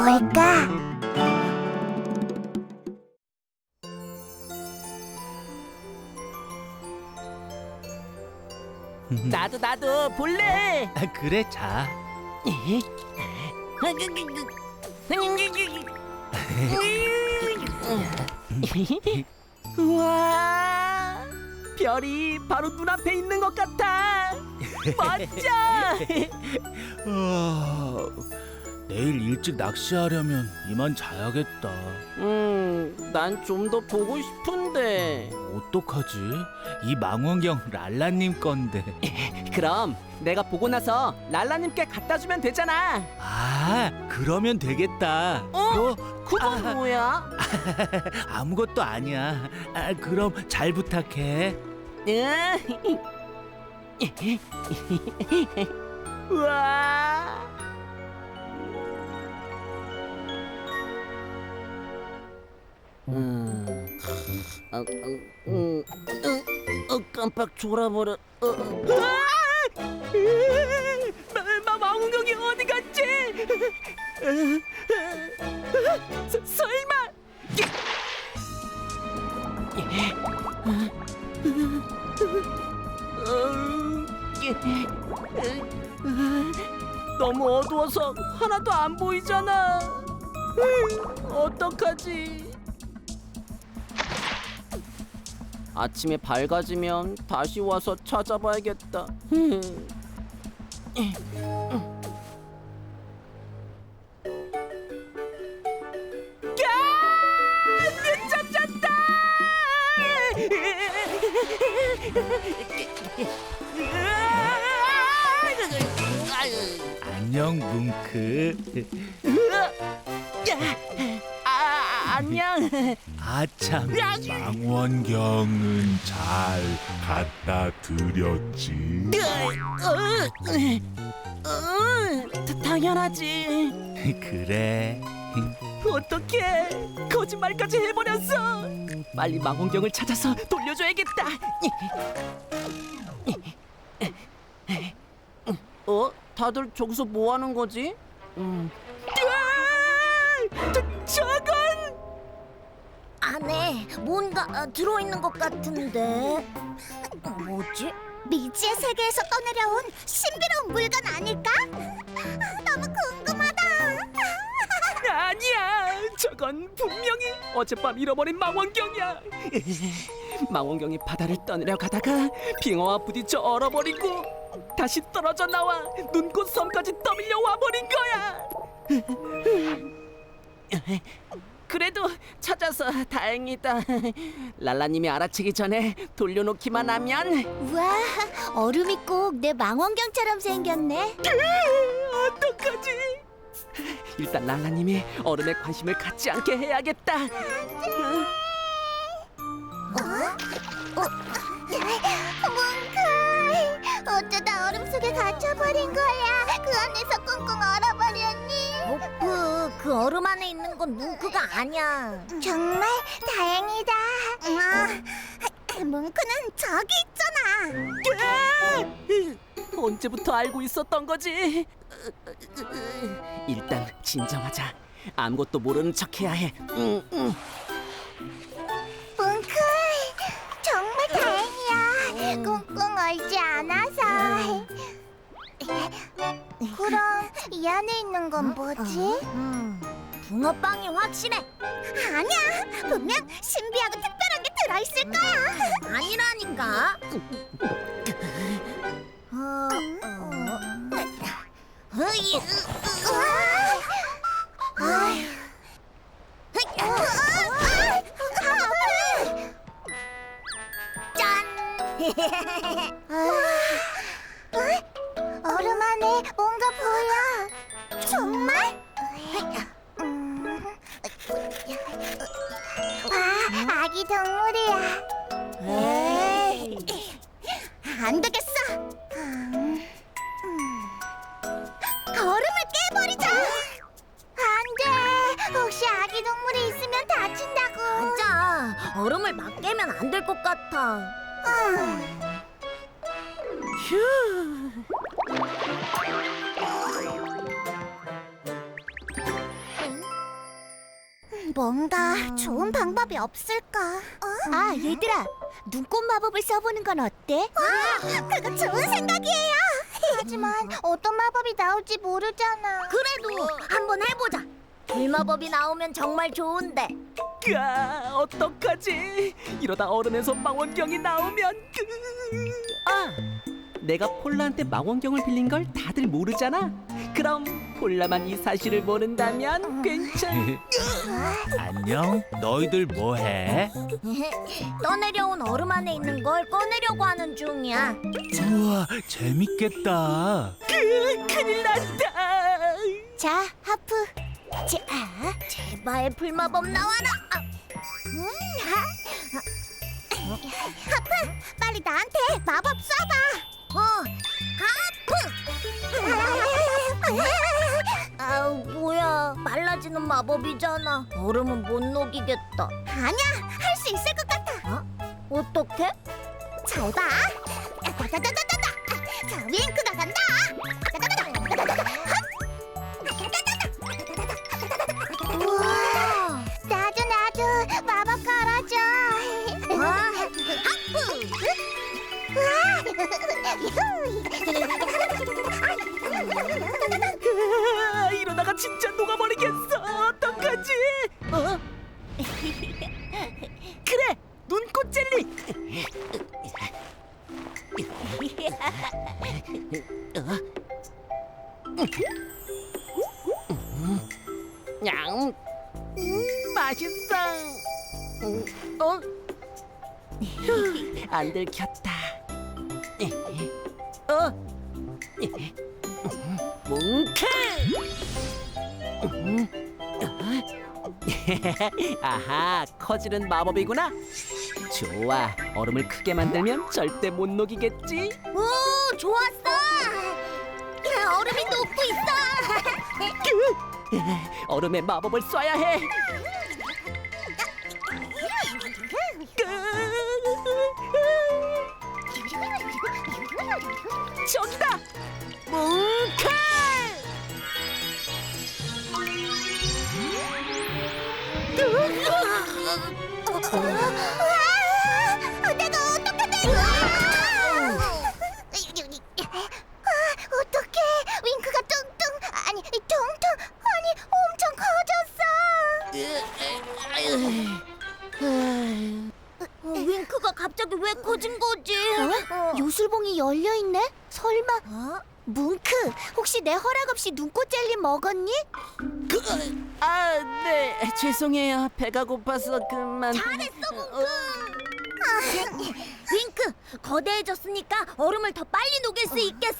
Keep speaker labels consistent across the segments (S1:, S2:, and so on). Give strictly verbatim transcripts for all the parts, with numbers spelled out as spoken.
S1: 뭘까?
S2: 나도 나도 볼래.
S3: 아, 그래, 자.
S2: 우와, 별이 바로 눈앞에 있는 것 같아. 멋져.
S3: 어, 내일 일찍 낚시하려면 이만 자야겠다.
S2: 음, 난 좀 더 보고 싶은데.
S3: 어떡하지? 이 망원경 랄라님 건데.
S2: 그럼 내가 보고 나서 랄라님께 갖다 주면 되잖아.
S3: 아, 그러면 되겠다.
S2: 어? 그건
S3: 아.
S2: 뭐야?
S3: 아무것도 아니야. 아, 그럼 잘 부탁해.
S2: 응. 우와. 음, 어, 어, 음, 어, 어, 깜빡 졸아버려. 어, 어. 아! 마, 마, 망원경이 어디 갔지? 서, 설마? 너무 어두워서 하나도 안 보이잖아. 어떡하지? 아침에 밝아지면 다시 와서 찾아봐야겠다. 야! 늦잠잤다!
S3: 안녕, 뭉크.
S2: 아, 안녕.
S3: 아참,
S4: 망원경은 잘 갖다 드렸지.
S2: 어, 다- 당연하지.
S3: 그래.
S2: 어떡해, 거짓말까지 해버렸어. 빨리 망원경을 찾아서 돌려줘야겠다. 어? 다들 저기서 뭐 하는 거지? 음. 으아! 저, 저건
S1: 안에 뭔가 어, 들어있는 것 같은데 뭐지? 미지의 세계에서 떠내려온 신비로운 물건 아닐까? 너무 궁금하다.
S2: 아니야. 저건 분명히 어젯밤 잃어버린 망원경이야. 망원경이 바다를 떠내려 가다가 빙어와 부딪혀 얼어버리고 다시 떨어져 나와 눈꽃 섬까지 떠밀려 와버린 거야. 그래도 찾아서 다행이다. 랄라님이 알아채기 전에 돌려놓기만 하면.
S1: 우와, 얼음이 꼭 내 망원경처럼 생겼네.
S2: 어떡하지? 일단 랄라님이 얼음에 관심을 갖지 않게 해야겠다.
S1: 뭉클, 어쩌다 얼음 속에 갇혀버린 거야. 그 안에서 꽁꽁 얼어버렸니? 뭉크, 그 얼음 안에 있는 건 뭉크가 아니야. 정말 다행이다. 어, 뭉크는 저기 있잖아.
S2: 언제부터 알고 있었던 거지? 일단 진정하자. 아무것도 모르는 척해야 해. 응, 응.
S1: 뭉클, 정말 다행이야. 꽁꽁 얼지 않아서. 그럼 이 안에 있는 건 뭐지? 붕어빵이 확실해. 아니야, 분명 신비하고 특별한 게 들어있을 거야. 아니라니까. 어, 어. 으이, 으, 아휴. 짠! 얼음 안에 뭔가 보여. 정말? 와, 아기 동물이야. 에이, 안 되겠어. 음, 얼음을 깨버리자. 안 돼. 혹시 아기 동물이 있으면 다친다고. 맞아. 얼음을 막 깨면 안 될 것 같아.
S2: 휴.
S1: 뭔가 좋은 방법이 없을까? 아, 얘들아, 눈꽃 마법을 써보는 건 어때? 와, 그거 좋은 생각이에요. 하지만 어떤 마법이 나올지 모르잖아. 그래도 한번 해보자. 불마법이 나오면 정말 좋은데.
S2: 아, 어떡하지? 이러다 얼음에서 망원경이 나오면 아! 내가 폴라한테 망원경을 빌린 걸 다들 모르잖아. 그럼 폴라만 이 사실을 모른다면 괜찮.
S3: 안녕. 너희들 뭐해?
S1: 떠내려온 얼음 안에 있는 걸 꺼내려고 하는 중이야.
S3: 우와, 재밌겠다.
S2: 그, 큰일 났다.
S1: 자, 하프. 자, 제발 불마법 나와라. 아, 음, 하. 하프, 빨리 나한테 마법 쏴봐. 어, 하프. 아, 뭐야? 말라지는 마법이잖아. 얼음은 못 녹이겠다. 아니야, 할 수 있을 것 같아. 어? 어떻게? 잘 봐. 다다다다다다. 자, 윙크가 간다. 우와, 나도 나도 마법 걸어줘. 하프.
S2: 으아, 이러다가 진짜 녹아버리겠어. 어떡하지? 어? 그래, 눈꽃 젤리. 냥, 음, 맛있어. 음, 어? 휴, 안 들켰다. 어? 뭉크! 아하, 커지는 마법이구나. 좋아, 얼음을 크게 만들면 절대 못 녹이겠지.
S1: 오, 좋았어. 얼음이 녹고 있어.
S2: 얼음에 마법을 쏴야 해. 저기다. 뭉크!
S1: 아, 내가 어떻게 된 거야? 어떡해. 윙크가 뚱뚱, 아니 퉁퉁, 아니 엄청 커졌어. 어, 윙크가 갑자기 왜 커진 거지? 어? 요술봉이 열려 있네? 설마? 어? 뭉크, 혹시 내 허락 없이 눈꽃 젤리 먹었니?
S2: 그, 아, 네, 죄송해요. 배가 고파서 그만.
S1: 잘했어, 뭉크. 아, 윙크, 거대해졌으니까 얼음을 더 빨리 녹일 수 있겠어.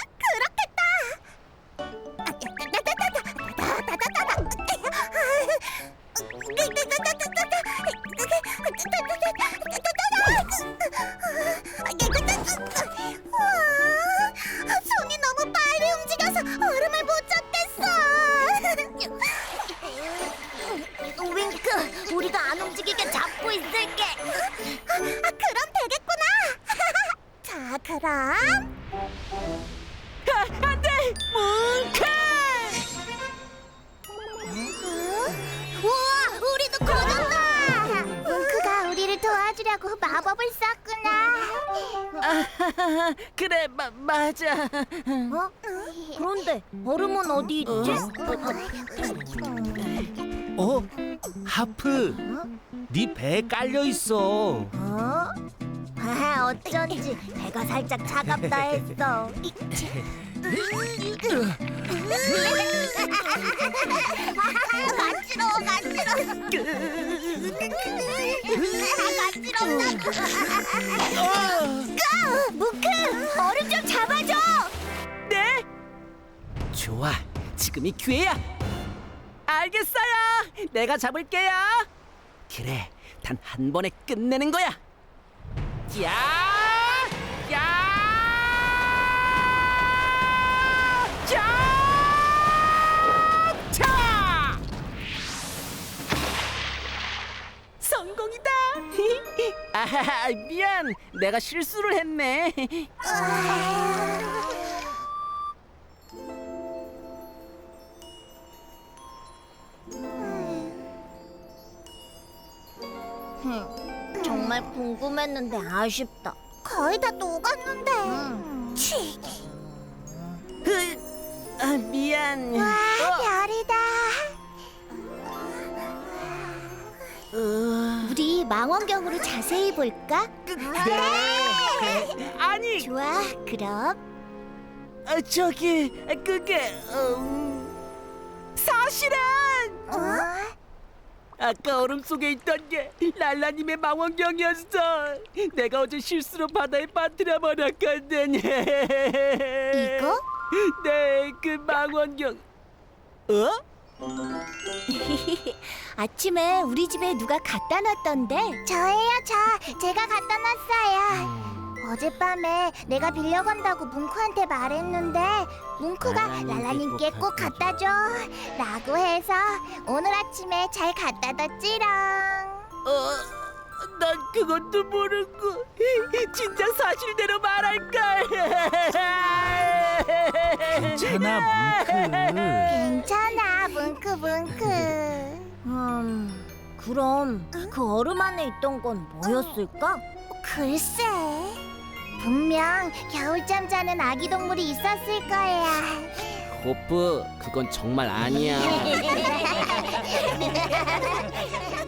S1: 그렇겠다. 손이 너무 빨리 움직여서 얼음을 못 잡겠어. 윙크, 우리가 안 움직이게 잡고 있을게. 아, 그럼 되겠구나. 자, 그럼.
S2: 아, 안 돼! 뭉크!
S1: 우와, 우리도 커졌다. 뭉크가 우리를 도와주려고 마법을 썼구나.
S2: 아, 그래, 마, 맞아.
S1: 어? 그런데 얼음은 어디 있지?
S3: 어? 하프, 네 배에 깔려 있어.
S1: 어? 아, 어쩐지 배가 살짝 차갑다 했어. 간지러워, 간지러워. 간지럽다. 무크, 얼음 좀 잡아줘.
S2: 네? 좋아, 지금이 기회야. 알겠어요. 내가 잡을게요. 그래, 단 한 번에 끝내는 거야. 야! 야! 자! 자! 성공이다. 아, 미안. 내가 실수를 했네.
S1: 정말 궁금했는데 아쉽다. 거의 다 녹았는데. 치.
S2: 아, 미안.
S1: 와,
S2: 어,
S1: 별이다.
S2: 어,
S1: 우리 망원경으로 자세히 볼까?
S2: 네. 아니,
S1: 좋아, 그럼.
S2: 아, 저기 그게 음, 사실은
S1: 어?
S2: 아까 얼음 속에 있던 게 랄라님의 망원경이었어. 내가 어제 실수로 바다에 빠뜨려 버렸거든.
S1: 이거?
S2: 네, 그 망원경. 어?
S1: 아침에 우리 집에 누가 갖다 놨던데. 저예요, 저. 제가 갖다 놨어요. 어젯밤에 내가 빌려간다고 뭉크한테 말했는데 뭉크가 랄라님께 꼭 갖다 줘 라고 해서 오늘 아침에 잘 갖다 뒀지롱.
S2: 어, 난 그것도 모르고 진짜 사실대로 말할걸.
S3: 괜찮아, 뭉크.
S1: 괜찮아, 뭉크 뭉크. 음, 그럼 그 얼음 안에 있던 건 뭐였을까? 글쎄, 분명 겨울잠 자는 아기 동물이 있었을 거야.
S2: 호프, 그건 정말 아니야.